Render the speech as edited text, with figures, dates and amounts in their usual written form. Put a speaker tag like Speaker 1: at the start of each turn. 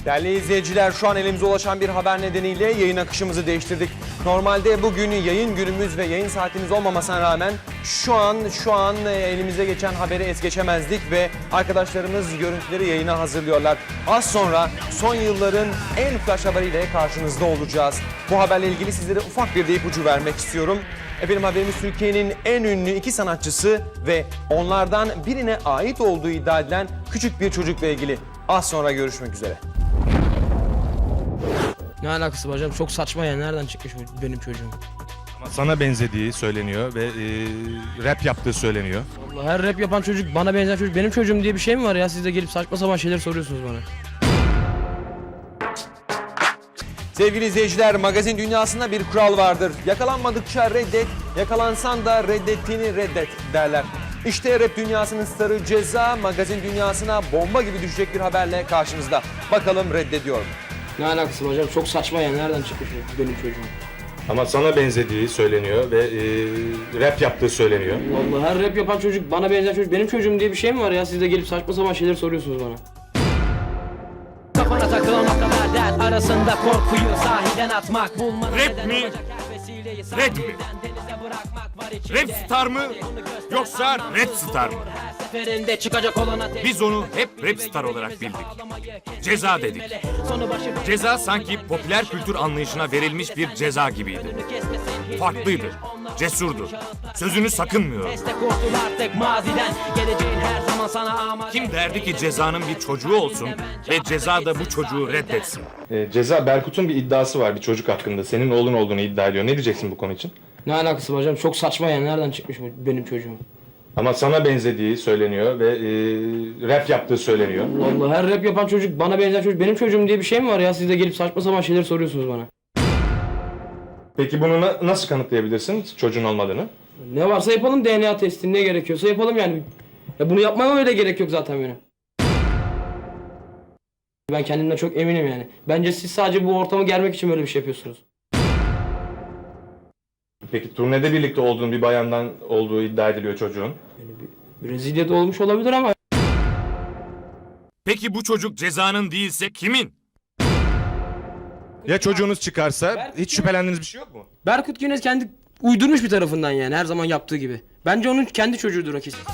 Speaker 1: Değerli izleyiciler, şu an elimize ulaşan bir haber nedeniyle yayın akışımızı değiştirdik. Normalde bugün yayın günümüz ve yayın saatimiz olmamasına rağmen şu an elimize geçen haberi es geçemezdik ve arkadaşlarımız görüntüleri yayına hazırlıyorlar. Az sonra son yılların en flash haberiyle karşınızda olacağız. Bu haberle ilgili sizlere ufak bir de ipucu vermek istiyorum. Efendim, haberimiz Türkiye'nin en ünlü iki sanatçısı ve onlardan birine ait olduğu iddia edilen küçük bir çocukla ilgili. Az sonra görüşmek üzere.
Speaker 2: Ne alakası var hocam? Çok saçma ya. Nereden çıkmış bu benim çocuğum?
Speaker 3: Ama sana benzediği söyleniyor ve rap yaptığı söyleniyor.
Speaker 2: Allah, her rap yapan çocuk, bana benzer çocuk benim çocuğum diye bir şey mi var ya? Siz de gelip saçma sapan şeyler soruyorsunuz bana.
Speaker 1: Sevgili izleyiciler, magazin dünyasında bir kural vardır. Yakalanmadıkça reddet, yakalansan da reddettiğini reddet derler. İşte rap dünyasının starı Ceza, magazin dünyasına bomba gibi düşecek bir haberle karşınızda. Bakalım reddediyor mu?
Speaker 2: Ne alakası var hocam? Çok saçma ya. Nereden çıkmış bu benim çocuğum?
Speaker 3: Ama sana benzediği söyleniyor ve rap yaptığı söyleniyor.
Speaker 2: Allah, her rap yapan çocuk, bana benzer çocuk benim çocuğum diye bir şey mi var ya? Siz de gelip saçma sapan şeyler soruyorsunuz bana.
Speaker 4: Kafana takılan o kadar dert arasında korkuyu sahiden atmak bulmanın
Speaker 5: Rap mi? Red mi? Rap star mı? Yoksa Red Star mı?
Speaker 4: seferinde çıkacak olana
Speaker 5: Biz onu hep Rap Star olarak bildik. Ceza dedik. Ceza sanki popüler kültür anlayışına verilmiş bir ceza gibiydi. Farklıydı, cesurdu, sözünü sakınmıyordu. Kim derdi ki Ceza'nın bir çocuğu olsun ve Ceza da bu çocuğu reddetsin?
Speaker 3: Ceza, Berkut'un bir iddiası var bir çocuk hakkında. Senin oğlun olduğunu iddia ediyor. Ne diyeceksin bu konu için?
Speaker 2: Ne alakası var hocam? Çok saçma ya. Nereden çıkmış bu benim çocuğum?
Speaker 3: Ama sana benzediği söyleniyor ve rap yaptığı söyleniyor.
Speaker 2: Allah, her rap yapan çocuk, bana benzer çocuk benim çocuğum diye bir şey mi var ya? Siz de gelip saçma sapan şeyler soruyorsunuz bana.
Speaker 3: Peki bunu nasıl kanıtlayabilirsin çocuğun olmadığını?
Speaker 2: Ne varsa yapalım, DNA testi, ne gerekiyorsa yapalım yani. Ya bunu yapmama öyle gerek yok zaten benim. Ben kendimden çok eminim yani. Bence siz sadece bu ortamı germek için böyle bir şey yapıyorsunuz.
Speaker 3: Peki turnede birlikte olduğun bir bayandan olduğu iddia ediliyor çocuğun.
Speaker 2: Brezilya'da olmuş olabilir ama
Speaker 5: Peki bu çocuk Ceza'nın değilse kimin?
Speaker 3: Ya çocuğunuz çıkarsa hiç şüphelendiğiniz bir şey yok mu?
Speaker 2: Berkut Güneş kendi uydurmuş bir tarafından yani, her zaman yaptığı gibi. Bence onun kendi çocuğudur o kesin.